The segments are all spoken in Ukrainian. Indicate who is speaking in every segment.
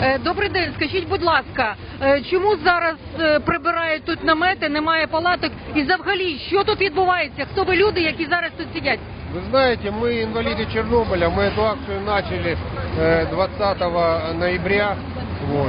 Speaker 1: Добрий день, скажіть, будь ласка, чому зараз прибирають тут намети, немає палаток і взагалі, що тут відбувається? Хто ви люди, які зараз тут сидять?
Speaker 2: Вы знаете, мы инвалиды Чернобыля, мы эту акцию начали 20 ноября, вот.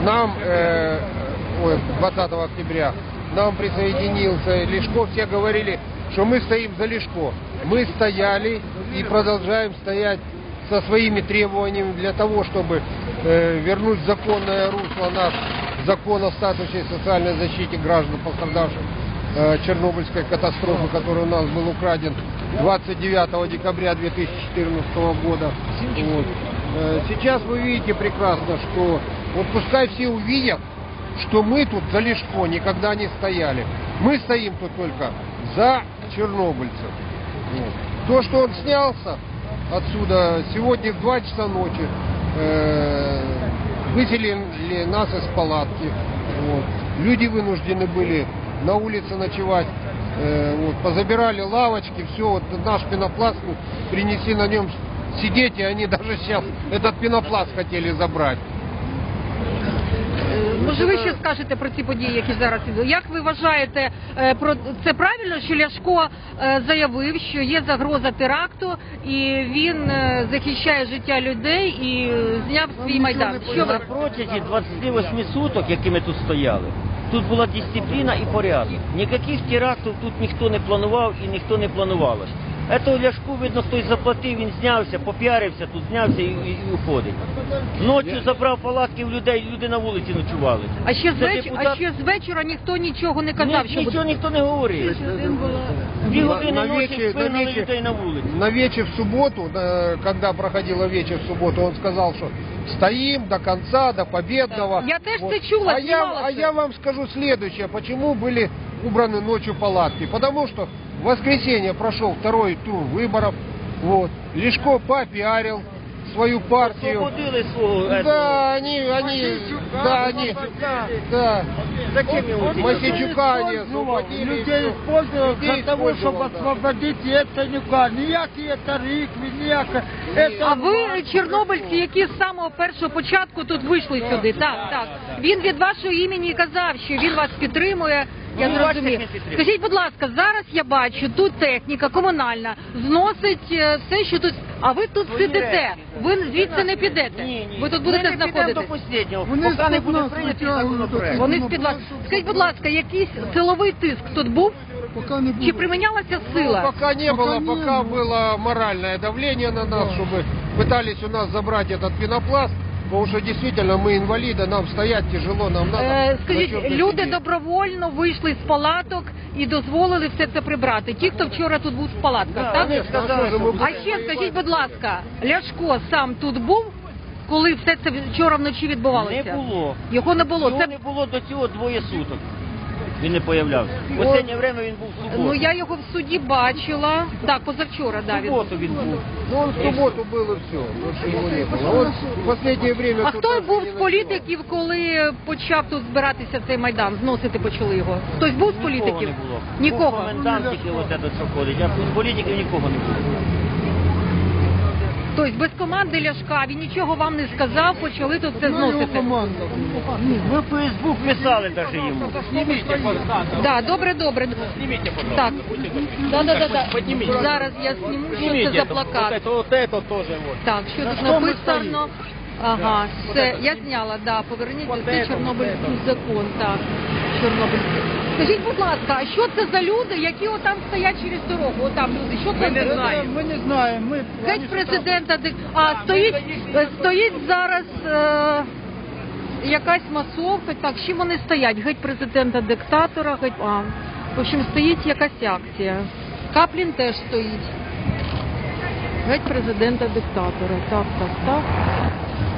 Speaker 2: 20 октября, нам присоединился Лешко, все говорили, что мы стоим за Лешко. Мы стояли и продолжаем стоять со своими требованиями для того, чтобы вернуть законное русло наш закон о статусе и социальной защите граждан, пострадавших Чернобыльской катастрофы, который у нас был украден 29 декабря 2014 года. Вот. Сейчас вы видите прекрасно, что вот пускай все увидят, что мы тут за Лешко никогда не стояли. Мы стоим тут только за чернобыльцев. Вот. То, что он снялся отсюда сегодня в 2 часа ночи, выселили нас из палатки. Вот. Люди вынуждены были на улице ночевать. Вот. Позабирали лавочки, все. Вот наш пенопласт, принеси на нем сидеть, и они даже сейчас этот пенопласт хотели забрать.
Speaker 1: Може, ви ще скажете про ці події, які зараз ідуть? Як ви вважаєте, це правильно, що Ляшко заявив, що є загроза теракту, і він захищає життя людей і зняв свій Майдан? Що ви?
Speaker 3: На протязі 28 суток, які ми тут стояли, тут була дисципліна і порядок. Ніяких терактів тут ніхто не планував і ніхто не планувалось. Ето Ляшку, видно, хтось заплатив, він знявся, попіарився, тут знявся і уходить. Ночі забрав палатки в людей, люди на вулиці ночували.
Speaker 1: А ще з вечора ніхто нічого не казав, що
Speaker 3: нічого ніхто не говорив. 2 години ночі вигнали людей на вулиці.
Speaker 2: На вечер в субботу, когда проходила вечер в субботу, он сказал, что стоим до конца, до победного.
Speaker 1: Я теж це чула,
Speaker 2: а я вам скажу следующее, почему были убраны ночью палатки. Потому что в воскресенье прошел 2-й тур выборов. Вот. Лешко попиарил свою партию.
Speaker 3: Освободили свого.
Speaker 2: Да,
Speaker 3: Зачем его
Speaker 2: Мосейчука они освободили.
Speaker 4: Людей использовали для того, чтобы освободить Яценюка. Ніякі тарифи, ніякі...
Speaker 1: А ви, чорнобильці, які з самого першого початку тут вийшли сюди? Так. Він від вашого імені казав, що він вас підтримує. Я зрозумів. Скажіть, будь ласка, зараз я бачу, тут техніка комунальна зносить все, що тут... А ви тут сидите, ви звідси не підете. Ви тут будете знаходитись.
Speaker 3: До останнього, поки не буде прийнятий законопроект.
Speaker 1: Вони з-під вас. Скажіть, будь ласка, якийсь силовий тиск тут був? Чи примінялася сила?
Speaker 2: Пока не было, пока было моральное давление на нас, чтобы пытались у нас забрать этот пенопласт. Потому что действительно мы инвалиды, нам стоять тяжело, нам надо...
Speaker 1: Скажіть, люди добровольно вийшли з палаток і дозволили все це прибрати. Ті, хто вчора тут був в палатках, так? А ще скажіть, будь ласка, Ляшко сам тут був, коли все це вчора вночі відбувалося?
Speaker 3: Не було.
Speaker 1: Його не було.
Speaker 3: Його не було до цього 2 суток. Він не появлявся. В останнє время він був в суботу.
Speaker 1: Ну я його в суді бачила. Так, позавчора,
Speaker 3: В суботу він був.
Speaker 2: Ну он в субботу был и все. Больше его не было. Он в последнее время...
Speaker 1: А хто був з політиків, коли почав тут збиратися цей Майдан? Зносити почали його? Хтось був з політиків?
Speaker 3: Нікого не було.
Speaker 1: Нікого?
Speaker 3: Був комендант тільки ось це, що ходить, а з політиків нікого не було.
Speaker 1: Тобто без команди Ляшка, він нічого вам не сказав, почали тут це зносити?
Speaker 3: Ми в Фейсбук писали навіть йому.
Speaker 1: Так, добре. Так. Да. Зараз я зніму, що це за плакат. Так, що тут написано? Ага, все, я зняла, поверніть, це Чорнобильський закон, так, Чорнобильський. Скажіть, будь ласка, а що це за люди, які отам стоять через дорогу? Отам люди, що це?
Speaker 4: Ми не знаємо.
Speaker 1: Геть президента, стоїть зараз якась масовка, так, з чим вони стоять? Геть президента-диктатора, в общем, стоїть якась акція. Каплін теж стоїть. Геть президента-диктатора, так.